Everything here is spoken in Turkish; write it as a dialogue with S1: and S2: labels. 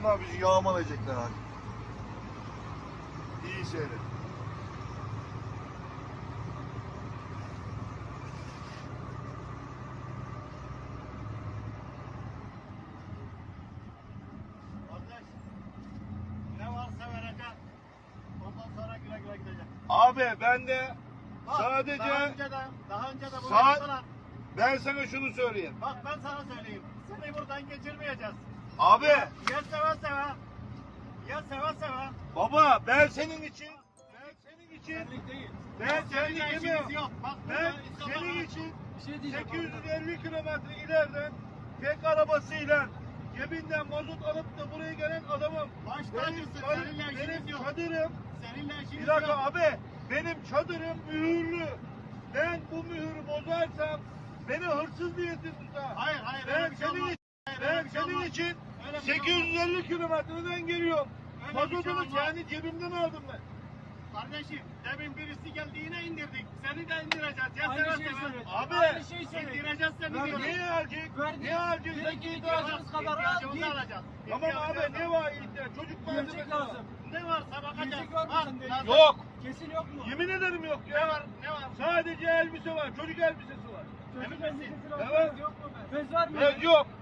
S1: Bunlar bizi yağmalayacaklar abi. İyi seyret.
S2: Kardeş, ne varsa vereceğim. Ondan sonra güle güle gideceğim.
S1: Abi ben de
S2: Bak,
S1: sadece
S2: daha önce de bunu
S1: Saat-
S2: yaptılar.
S1: ben sana şunu söyleyeyim.
S2: Bak ben sana söyleyeyim. Seni buradan geçirmeyeceğiz.
S1: Abi
S2: Ya seve seve. Ya seve seve.
S1: baba ben senin için
S2: Senlik değil.
S1: ben
S2: Seninle
S1: senin
S2: işimiz
S1: gibi
S2: yok. Bak
S1: ben
S2: burada insanlar
S1: senin
S2: aç.
S1: için
S2: Bir şey diyeceğim.
S1: 850 kilometre ileriden tek arabasıyla cebinden mazot alıp da buraya gelen adamım.
S2: Baş tacısın. Seninle işimiz
S1: Benim
S2: yok.
S1: çadırım,
S2: Seninle
S1: bir
S2: işimiz
S1: dakika
S2: yok.
S1: abi, benim çadırım mühürlü. Ben bu mühürü bozarsam beni hırsız diyesin tutar.
S2: Hayır hayır.
S1: Ben
S2: öyle bir şey
S1: senin
S2: olmaz.
S1: için,
S2: Hayır, öyle
S1: ben
S2: bir şey
S1: senin
S2: olmaz.
S1: için
S2: Öyle bir şey
S1: 850 kilometreden geliyorum.
S2: Öyle bir şey
S1: Mazotunu
S2: olmaz.
S1: kendi cebimden aldım ben.
S2: Kardeşim demin birisi geldi yine indirdik. Seni de indireceğiz. Ya
S3: Aynı
S2: seve
S3: şeyi
S2: seve.
S3: söyledi.
S1: Abi,
S3: Aynı şeyi söyledi.
S2: İndireceğiz seni diyorum.
S1: Ne alacak?
S3: Verdi.
S1: Ne alacak?
S3: Bir iki ihtiyacımız kadar al
S2: İhtiyacımızı
S3: git.
S2: alacağız.
S1: Tamam
S2: İhtiyacımızı
S1: abi, ne var ihtiyaç? Çocuk
S3: Yiyecek
S1: malzemesi
S3: lazım.
S1: var.
S2: Ne varsa bakacağız.
S3: Yiyecek var mı
S2: Bak,
S3: sende?
S2: lazım.
S1: Yok.
S3: Kesin yok mu?
S1: Yemin ederim yok
S2: Ne
S1: ya.
S2: var? Ne var?
S1: Sadece elbise var. Çocuk elbisesi var.
S3: Çocuk
S2: Emin misin?
S3: elbisesi lazım.
S1: Evet.
S3: Yok mu? Bez var mı?
S1: Evet, yok.